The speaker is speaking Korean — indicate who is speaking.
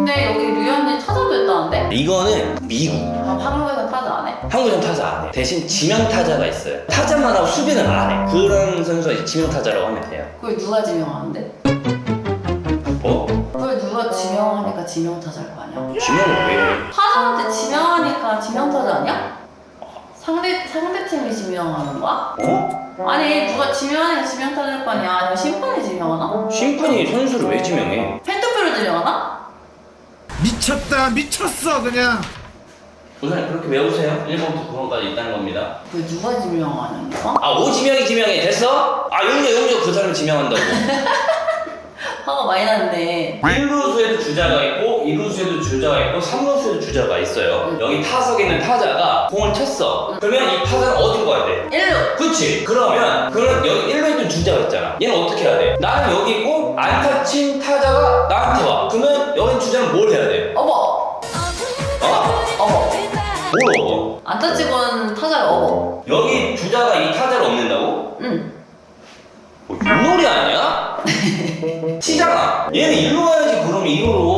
Speaker 1: 근데 여기 류현진 타자도 했다는데?
Speaker 2: 이거는 미국.
Speaker 1: 아, 한국에서 타자 안 해?
Speaker 2: 한국은 타자 안 해. 대신 지명 타자가 있어요. 타자만 하고 수비는 안 해. 그런 선수가 이제 지명 타자라고 하면 돼요.
Speaker 1: 그걸 누가 지명하는데?
Speaker 2: 뭐?
Speaker 1: 그걸 누가 지명하니까 지명 타자일 거 아니야?
Speaker 2: 지명을 왜 해?
Speaker 1: 타자한테 지명하니까 지명 타자 아니야? 상대팀이 지명하는 거야?
Speaker 2: 어?
Speaker 1: 아니 누가 지명하니까 지명 타자일 거 아니야? 아니면 심판이 지명하나?
Speaker 2: 심판이 선수를 왜 지명해?
Speaker 1: 팬투표로 지명하나?
Speaker 3: 미쳤다 미쳤어 그냥.
Speaker 2: 우선 그렇게 외우세요. 1번부터 9번까지 있다는 겁니다.
Speaker 1: 그걸 누가 지명하는 거야?
Speaker 2: 아, 오지명이 지명해. 됐어? 아, 용조 그 사람을 지명한다고.
Speaker 1: 화가 많이 났네.
Speaker 2: 1루수에도 주자가 있고 2루수에도 주자가 있고 3루수에도 주자가 있어요. 여기 타석에 있는 타자가 공을 쳤어. 그러면 이 타자는 어디로 가야 돼?
Speaker 1: 1루!
Speaker 2: 그치? 그러면 여기 1루에 있던 주자가 있잖아. 얘는 어떻게 해야 돼? 나는 여기 있고 안타 친 타자가 나한테 와. 그러면 여기 주자는 뭘 해야 돼?
Speaker 1: 어버!
Speaker 2: 어?
Speaker 1: 어버!
Speaker 2: 뭘 업어?
Speaker 1: 안타 찍은 타자를 어버.
Speaker 2: 여기 주자가 이 타자를 업는다고?
Speaker 1: 응.
Speaker 2: 뭐 윷놀이 아니야? 치잖아. 얘는 1루 가야지. 그럼 2루로.